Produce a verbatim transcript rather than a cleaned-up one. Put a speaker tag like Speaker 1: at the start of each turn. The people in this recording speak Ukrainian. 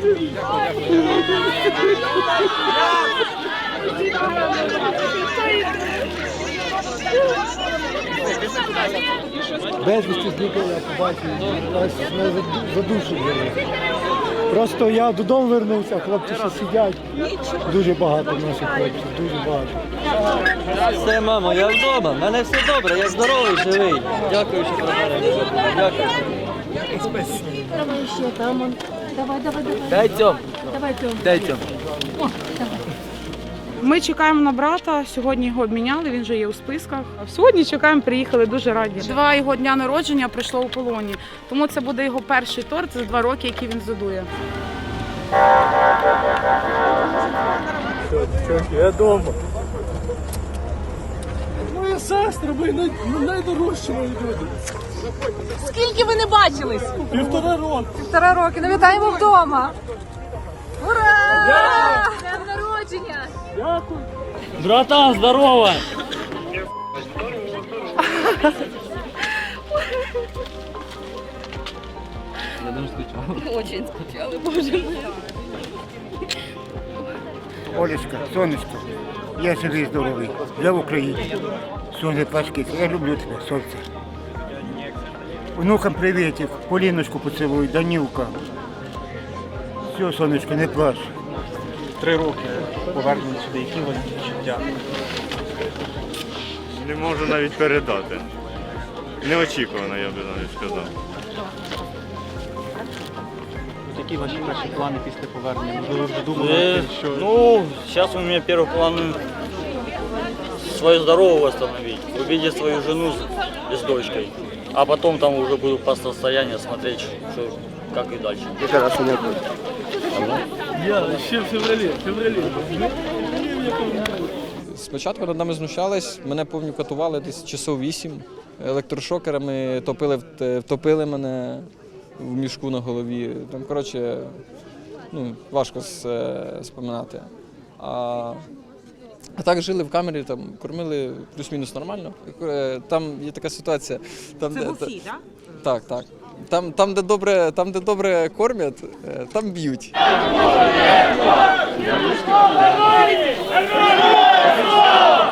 Speaker 1: Безвісті зникли, я побачив, ось мене задушили. Просто я додому вернувся, хлопці ще сидять. Дуже багато наших хлопців, дуже багато.
Speaker 2: Все, мамо, я вдома, в мене все добре, я здоровий, живий. Дякую, що приберете. Дякую.
Speaker 3: Давай ще там. он. Давай, давай, давай.
Speaker 2: Дай цьом.
Speaker 3: Давай, Тьом.
Speaker 2: Дай цьом.
Speaker 3: О, давай.
Speaker 4: Ми чекаємо на брата, сьогодні його обміняли, він вже є у списках. Сьогодні чекаємо, приїхали, дуже раді. Два його дня народження пройшло у полоні, тому це буде його перший торт за два роки, який він задує.
Speaker 1: Я вдома. Моя сестра, ми найдорожчі мої люди.
Speaker 5: Скільки ви не бачились?
Speaker 1: Півтора року.
Speaker 5: Півтора роки. Ну, вітаємо вдома. Ура! Днем народження!
Speaker 1: Дякую.
Speaker 2: Братан, здорово! Я дуже скучав.
Speaker 5: Очень скучали, боже мой.
Speaker 6: Олечка, сонечко, я живий, здоровий, я в Україні. Сонце пачки, я люблю тебе, сонце. Внукам привітів, Поліночку поцілуй, Данілка. Все, сонечко, не плач.
Speaker 7: Три роки повернення сюди, які у вас відчуття?
Speaker 8: Не можу навіть передати. Неочікувано, я би навіть сказав.
Speaker 7: Які ваші перші плани після повернення? Можливо, ви вже думали, що...
Speaker 2: Ну, сейчас у меня первый план свое здоровье восстановить, увидеть свою жену с, с дочкой, а потом там уже буду по состоянию смотреть, что, как и дальше.
Speaker 1: Я ще в февралі, в февралі.
Speaker 9: Спочатку над нами знущались, мене повністю катували десь часов вісім. Електрошокерами топили, втопили мене в мішку на голові. Там, коротше, ну, важко споминати. А, а так жили в камері, там, кормили плюс-мінус нормально. Там є така ситуація. Там,
Speaker 5: Це
Speaker 9: де,
Speaker 5: був фі, так?
Speaker 9: Так, так. Там, там, де добре, там, де добре кормять, там б'ють.
Speaker 1: Героям! Героям!